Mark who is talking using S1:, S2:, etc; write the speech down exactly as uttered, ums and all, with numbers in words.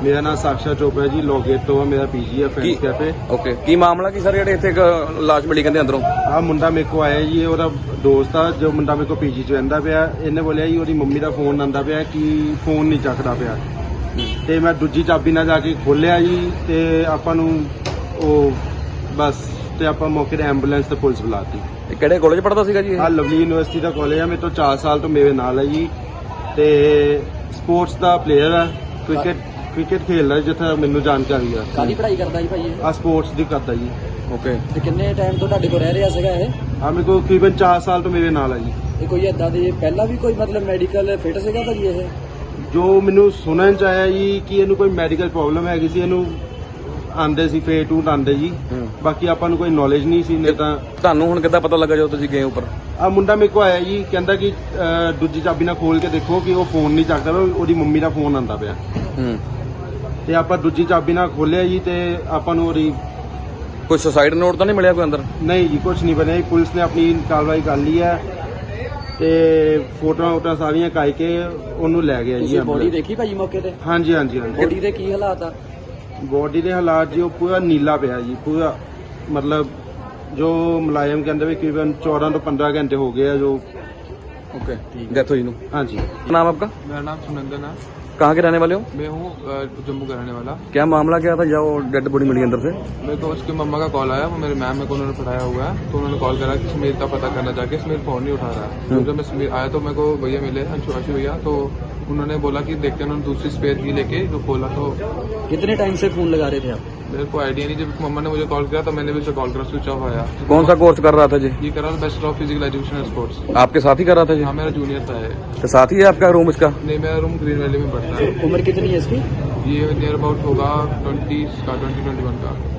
S1: ਮੇਰਾ ਨਾਮ ਸਾਕਸ਼ਾ ਚੋਪੜਾ ਜੀ, ਲੋਗੇਟ ਤੋਂ ਮੇਰਾ ਪੀਜੀ ਹੈ ਫਰੈਂਡਸ ਕੈਫੇ।
S2: ਓਕੇ, ਕੀ ਮਾਮਲਾ ਕੀ ਸਰ ਜਿਹੜੇ ਇੱਥੇ ਇੱਕ ਲਾਸ਼ ਮਿਲੀ ਕਹਿੰਦੇ ਅੰਦਰੋਂ?
S1: ਆ ਮੁੰਡਾ ਮੇਰੇ ਕੋ ਆਇਆ ਜੀ, ਉਹਦਾ ਦੋਸਤ ਆ ਜੋ ਮੁੰਡਾ ਮੇਰੇ ਕੋ ਪੀਜੀ ਚ ਰਹਿੰਦਾ ਪਿਆ। ਇਹਨੇ ਬੋਲਿਆ ਜੀ ਉਹਦੀ ਮੰਮੀ ਦਾ ਫੋਨ ਆਂਦਾ ਪਿਆ ਕਿ ਫੋਨ ਨਹੀਂ ਚੱਕਦਾ ਪਿਆ, ਤੇ ਮੈਂ ਦੂਜੀ ਚਾਬੀ ਨਾਲ ਜਾ ਕੇ ਖੋਲਿਆ ਜੀ, ਤੇ ਆਪਾਂ ਨੂੰ ਉਹ ਬਸ ਤੇ ਆਪਾਂ ਮੌਕੇ ਤੇ ਐਂਬੂਲੈਂਸ ਤੇ ਪੁਲਿਸ ਬੁਲਾਤੀ।
S2: ਇਹ ਕਿਹੜੇ ਕਾਲਜ ਪੜ੍ਹਦਾ ਸੀਗਾ ਜੀ ਇਹ?
S1: ਆ ਲਵਲੀ ਯੂਨੀਵਰਸਿਟੀ ਦਾ ਕਾਲਜ ਆ, ਮੇਰੇ ਤੋਂ ਚਾਰ ਸਾਲ ਤੋਂ ਮੇਰੇ ਨਾਲ ਹੈ ਜੀ, ਤੇ ਸਪੋਰਟਸ ਦਾ ਪਲੇਅਰ ਆ, ਕ੍ਰਿਕਟ ਕ੍ਰਿਕਟ ਖੇਡਦਾ ਜਿੱਥੇ ਮੈਨੂੰ ਜਾਣਕਾਰੀ ਆ।
S3: ਕਾਹਦੀ ਪੜ੍ਹਾਈ ਕਰਦਾ ਜੀ ਭਾਈ ਇਹ?
S1: ਆ ਸਪੋਰਟਸ ਦੀ ਕਰਦਾ ਜੀ।
S2: ਓਕੇ,
S3: ਤੇ ਕਿੰਨੇ ਟਾਈਮ ਤੋਂ ਤੁਹਾਡੇ ਕੋਲ ਰਹਿ ਰਿਹਾ ਸੀਗਾ ਇਹ?
S1: ਆ ਮੇਰੇ ਕੋਲ ਤਕਰੀਬਨ ਚਾਰ ਸਾਲ ਤੋਂ ਮੇਰੇ ਨਾਲ ਹੈ ਜੀ।
S3: ਇਹ ਕੋਈ ਏਦਾਂ ਦੀ ਪਹਿਲਾਂ ਵੀ ਕੋਈ ਮਤਲਬ ਮੈਡੀਕਲ ਫਿਟ ਸੀਗਾ ਭਾਜੀ ਇਹ?
S1: ਜੋ ਮੈਨੂੰ ਸੁਣਨ ਚ ਆਇਆ ਜੀ ਕਿ ਇਹਨੂੰ ਕੋਈ ਮੈਡੀਕਲ ਪ੍ਰੋਬਲਮ ਹੈਗੀ ਸੀ, ਇਹਨੂੰ ਆਂਦੇ ਸੀ ਫੇਰ ਟੂ ਆਂਦੇ ਜੀ, ਬਾਕੀ ਆਪਾਂ ਨੂੰ ਕੋਈ ਨੌਲੇਜ ਨਹੀਂ ਸੀ। ਨਹੀਂ ਤਾਂ
S2: ਤੁਹਾਨੂੰ ਹੁਣ ਕਿੱਦਾਂ ਪਤਾ ਲੱਗਾ ਜਦੋਂ ਤੁਸੀਂ ਗਏ ਉੱਪਰ?
S1: ਆ ਮੁੰਡਾ ਮੇਰੇ ਕੋ ਆਇਆ ਜੀ, ਕਹਿੰਦਾ ਕਿ ਅਹ, ਦੂਜੀ ਚਾਬੀ ਨਾਲ ਖੋਲ ਕੇ ਦੇਖੋ ਕਿ ਉਹ ਫੋਨ ਨਹੀਂ ਚੱਕਦਾ ਪਿਆ, ਉਹਦੀ ਮੰਮੀ ਦਾ ਫੋਨ ਆਂਦਾ ਪਿਆ।
S2: ਹੂੰ,
S1: ਤੇ ਆਪਾਂ ਦੂਜੀ ਚਾਬੀ ਨਾਲ ਖੋਲਿਆ ਜੀ, ਤੇ ਆਪਾਂ ਨੂੰ ਉਹਦੀ
S2: ਕੋਈ ਸੁਸਾਈਡ ਨੋਟ ਤਾਂ ਨਹੀਂ ਮਿਲਿਆ ਕੋਈ ਅੰਦਰ?
S1: ਨਹੀਂ ਜੀ, ਕੁਝ ਨਹੀਂ ਬਣਿਆ ਜੀ। ਪੁਲਿਸ ਨੇ ਆਪਣੀ ਕਾਰਵਾਈ ਕਰ ਲਈ ਹੈ, ਤੇ ਫੋਟੋਆਂ ਵੋਟਾਂ ਸਾਰੀਆਂ ਕਾਈ ਕੇ ਉਹਨੂੰ ਲੈ ਗਿਆ ਜੀ।
S3: ਤੁਸੀਂ ਬੋਡੀ ਦੇਖੀ ਭਾਜੀ ਮੌਕੇ ਤੇ?
S1: ਹਾਂਜੀ ਹਾਂਜੀ ਹਾਂਜੀ।
S3: ਬੋਡੀ ਦੇ ਕੀ ਹਾਲਾਤ ਆ?
S1: ਬੋਡੀ ਦੇ ਹਾਲਾਤ ਜੀ ਉਹ ਪੂਰਾ ਨੀਲਾ ਪਿਆ ਜੀ, ਪੂਰਾ ਮਤਲਬ ਜੋ ਮੁਲਾਜ਼ਮ ਕਹਿੰਦੇ ਵੀ ਤਕਰੀਬਨ ਚੌਦਾਂ ਤੋਂ ਪੰद्रह घंटे हो गए हैं जो।
S2: ओके, डेथ हुई नु।
S1: हाँ जी।
S2: नाम आपका?
S4: मेरा नाम सुनंदन है।
S2: कहाँ के रहने वाले हो?
S4: मैं हूँ अ, जम्मू का रहने वाला।
S2: क्या मामला क्या था जब डेड बॉडी मिली अंदर से?
S4: मेरे को उसकी मम्मा का कॉल आया, वो मेरे मैम मेरे को उन्होंने पढ़ाया हुआ है, तो उन्होंने कॉल करा कि समीर का पता करना जाके समीर फोन नहीं उठा रहा है। तो जब मैं समीर आया तो मेरे को भैया मिले, अंशु अंशु भैया, तो उन्होंने बोला कि देखते हैं। उन्होंने दूसरी स्पेयर की लेके जो खोला तो
S3: कितने टाइम से फोन लगा रहे थे आप?
S4: मेरे को आइडिया नहीं। जब मम्मा ने मुझे कॉल किया तो मैंने भी उसे कॉल करा, स्विच ऑफ आया।
S2: कौन सा कोर्स कर रहा था जी?
S4: ये करा bachelor of physical education and sports.
S2: आपके साथ ही कर रहा था जी?
S4: हाँ, मेरा जूनियर था ये।
S2: तो साथ ही है आपका रूम इसका?
S4: नहीं, मेरा रूम ग्रीन वैली में पड़ता है।
S3: उम्र कितनी है इसकी?
S4: ये नियर अबाउट होगा ट्वेंटी का, ट्वेंटी ट्वेंटी वन का।